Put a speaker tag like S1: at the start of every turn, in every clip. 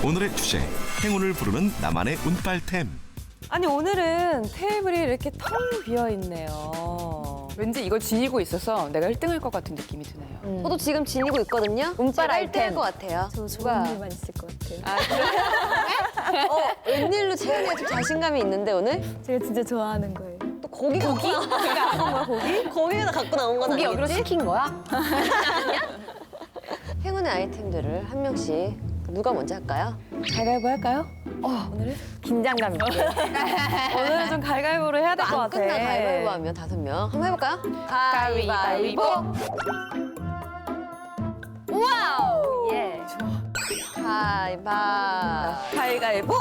S1: 오늘의 주제, 행운을 부르는 나만의 운빨템.
S2: 아니 오늘은 테이블이 이렇게 텅 비어 있네요.
S3: 왠지 이걸 지니고 있어서 내가 1등할 것 같은 느낌이 드네요.
S4: 저도 지금 지니고 있거든요.
S2: 운빨
S4: 제가
S2: 아이템.
S4: 1등할 것 같아요.
S5: 저 좋은 일만 있을 것 같아요.
S4: 웬일로 채연이가 좀 자신감이 있는데 오늘?
S5: 제가 진짜 좋아하는 거예요.
S4: 또 고기 갖고 나온 거야, 고기? 고기가 갖고 나온 건
S3: 고기 여기로
S4: 아니겠지?
S3: 시킨 거야?
S4: 행운의 아이템들을 한 명씩 누가 먼저 할까요?
S2: 가위바위보 할까요? 오늘은?
S5: 긴장감 있게.
S2: 오늘은 좀 가위바위보로 해야 될 것
S4: 안
S2: 같아.
S4: 끝나 가위바위보 하면 5명. 한번 해볼까요? 가위바위보.
S2: 와우! 예.
S4: 가위바위보.
S2: 가위바위보!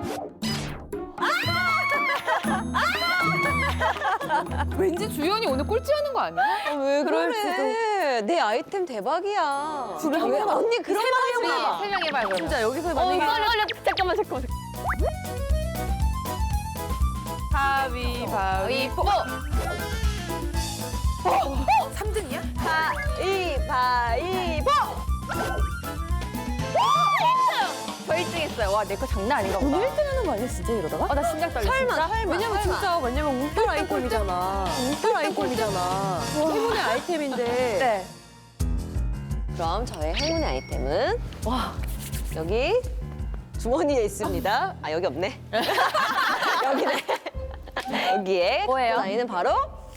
S3: 왠지 주연이 오늘 꼴찌하는 거 아니야?
S4: 왜 그래? 내 아이템 대박이야. 언니 그런 말 하지 마.
S3: 3명 해봐요, 그러면.
S2: 진짜 여기서 만약에
S5: 잠깐만.
S3: 가위바위보! 3등이야?
S4: 가위바위보.
S5: 저 1등 했어요. 와, 내 거 장난 아닌가 보다.
S2: 오늘 1등 하는 거 아니야 진짜 이러다가?
S5: 나 심장 떨려.
S4: 설마.
S2: 왜냐면 진짜 왜냐면 운빨 아이템이잖아. 운빨 아이템이잖아. 행운의 아이템인데.
S5: 네.
S4: 그럼 저의 행운의 아이템은 여기 주머니에 있습니다. 아 여기 없네. 여기네. 여기에
S5: 뭐예요?
S4: 갖고 다니는 바로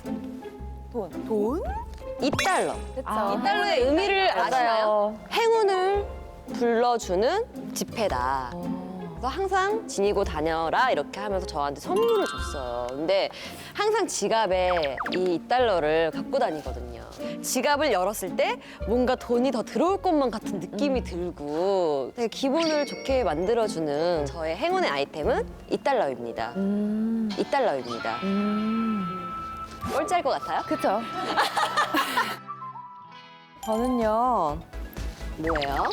S2: 돈?
S4: 2달러.
S5: 그쵸.
S4: 2달러의 의미를 아시나요? 행운을 불러주는 지폐다. 그래서 항상 지니고 다녀라 이렇게 하면서 저한테 선물을 줬어요. 근데 항상 지갑에 이 2달러를 갖고 다니거든요. 지갑을 열었을 때 뭔가 돈이 더 들어올 것만 같은 느낌이 들고 되게 기분을 좋게 만들어주는 저의 행운의 아이템은 2달러입니다. 2달러입니다. 꼴찌할 것 같아요?
S2: 그쵸? 저는요.
S4: 뭐예요?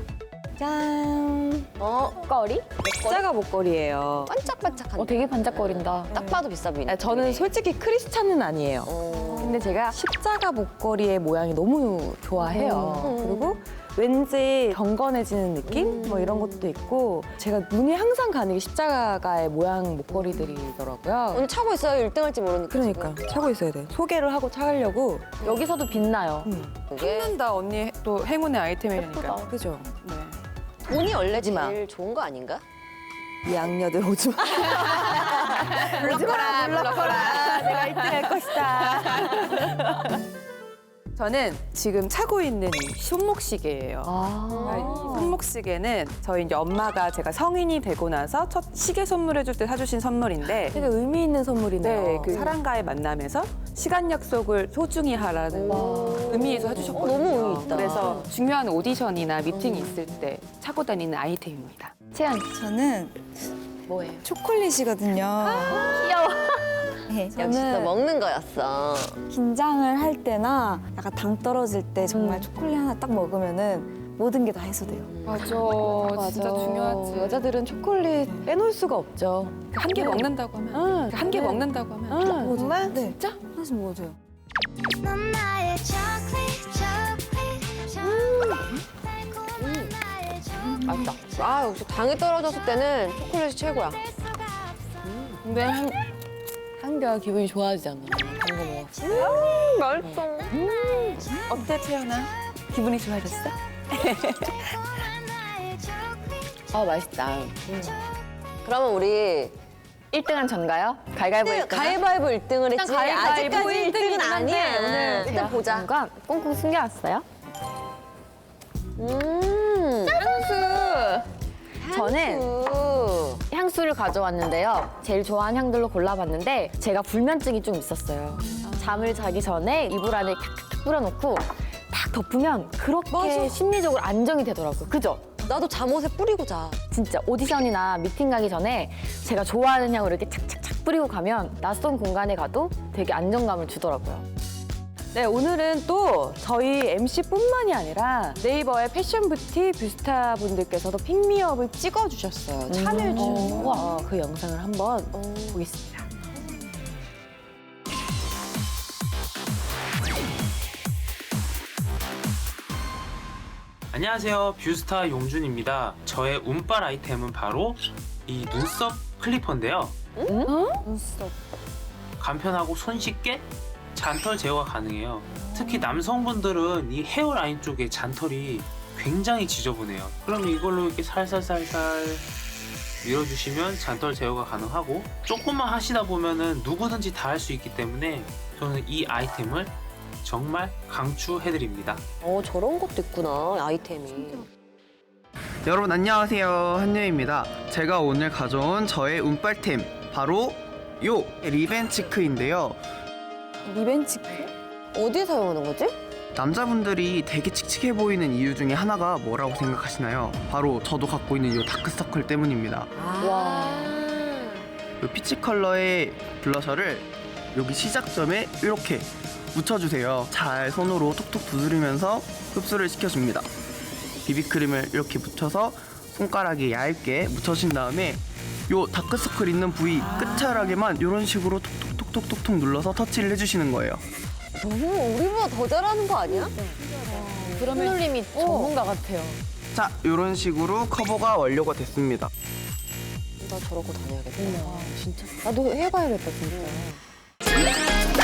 S2: 짠.
S4: 목걸이?
S2: 십자가 목걸이에요.
S4: 반짝반짝한.
S5: 되게 반짝거린다.
S4: 딱 봐도 비싸 보이네.
S2: 저는 솔직히 크리스찬은 아니에요. 근데 제가 십자가 목걸이의 모양이 너무 좋아해요. 그리고 왠지 경건해지는 느낌? 뭐 이런 것도 있고 제가 눈이 항상 가는 게 십자가의 모양 목걸이들이더라고요.
S4: 오늘 차고 있어요. 1등 할지 모르니까.
S2: 그러니까 차고 있어야 돼. 소개를 하고 차려고.
S5: 여기서도 빛나요.
S4: 그게
S3: 탐난다, 언니 또 행운의 아이템이니까.
S2: 그죠?
S3: 네.
S4: 돈이 원래
S2: 마.
S4: 제일 좋은 거 아닌가?
S2: 이 양녀들 오지 마.
S3: 불러거라, 불러거라.
S2: 내가 1등 할 것이다.
S3: 저는 지금 차고 있는 이 손목시계예요. 이 손목시계는 저희 이제 엄마가 제가 성인이 되고 나서 첫 시계 선물해줄 때 사주신 선물인데
S2: 되게 의미 있는 선물이네요.
S3: 네, 그 사람과의 만남에서 시간 약속을 소중히 하라는 의미에서 해주셨거든요.
S4: 너무 의미 있다.
S3: 그래서 중요한 오디션이나 미팅이 있을 때 차고 다니는 아이템입니다.
S5: 채연.
S6: 저는
S4: 뭐예요?
S6: 초콜릿이거든요.
S5: 귀여워.
S6: 네,
S4: 역시 또
S6: 저는
S4: 먹는 거였어.
S6: 긴장을 할 때나 약간 당 떨어질 때 정말 초콜릿 하나 딱 먹으면은 모든 게 다 해소돼요.
S3: 맞아, 진짜 중요하지.
S2: 여자들은 초콜릿 빼놓을 수가 없죠.
S3: 한 개 먹는다고 하면, 한 개 먹는다고 하면.
S6: 정말? 네.
S2: 진짜?
S6: 하나씩 먹어도 돼요.
S7: 넌 나의
S4: 맛있다. 아, 역시 당이 떨어졌을 때는 초콜릿이 최고야.
S2: 근데 한결 기분이 좋아지잖아. 단거 먹었어.
S4: 맛있어.
S3: 어때, 채연아? 기분이 좋아졌어?
S2: 아 맛있다.
S4: 그러면 우리
S5: 1등은 전가요? 가위바위보 1등.
S4: 가위바위보 1등을 했지.
S5: 가위바위보
S4: 아직까지 1등은
S5: 1등이긴 한데
S4: 아니야.
S5: 오늘
S4: 일단 보자.
S5: 뭔가 꽁꽁 숨겨왔어요. 저는 향수를 가져왔는데요. 제일 좋아하는 향들로 골라봤는데 제가 불면증이 좀 있었어요. 잠을 자기 전에 이불 안에 탁탁탁 뿌려놓고 탁 덮으면 그렇게 심리적으로 안정이 되더라고요. 그죠?
S4: 나도 잠옷에 뿌리고 자.
S5: 진짜 오디션이나 미팅 가기 전에 제가 좋아하는 향을 이렇게 착착착 뿌리고 가면 낯선 공간에 가도 되게 안정감을 주더라고요.
S2: 네, 오늘은 또 저희 MC뿐만이 아니라 네이버의 패션 뷰티 뷰스타 분들께서도 픽미업을 찍어주셨어요. 참여해 주셔서 그 영상을 한번 보겠습니다.
S8: 안녕하세요. 뷰스타 용준입니다. 저의 운빨 아이템은 바로 이 눈썹 클리퍼인데요.
S6: 눈썹.
S8: 간편하고 손쉽게 잔털 제거가 가능해요. 특히 남성분들은 이 헤어라인 쪽에 잔털이 굉장히 지저분해요. 그럼 이걸로 이렇게 살살살살 밀어주시면 잔털 제거가 가능하고, 조금만 하시다 보면은 누구든지 다 할 수 있기 때문에 저는 이 아이템을 정말 강추해드립니다.
S4: 저런 것도 있구나, 아이템이.
S9: 여러분 안녕하세요, 한유입니다. 제가 오늘 가져온 저의 운빨템 바로 요 리벤치크인데요.
S6: 리벤치크?
S4: 어디에 사용하는 거지?
S9: 남자분들이 되게 칙칙해 보이는 이유 중에 하나가 뭐라고 생각하시나요? 바로 저도 갖고 있는 요 다크서클 때문입니다. 요 피치 컬러의 블러셔를 여기 시작점에 이렇게 묻혀주세요. 잘 손으로 톡톡 두드리면서 흡수를 시켜줍니다. 비비크림을 이렇게 묻혀서 손가락에 얇게 묻혀준 다음에 요 다크서클 있는 부위 끝자락에만 이런 식으로 톡톡톡톡톡 눌러서 터치를 해주시는 거예요.
S4: 너무 우리보다 더 잘하는 거 아니야?
S5: 손놀림이 전문가 같아요.
S9: 자, 이런 식으로 커버가 완료가 됐습니다.
S4: 나 저러고 다녀야겠다.
S5: 진짜. 나도 해봐야겠다, 진짜.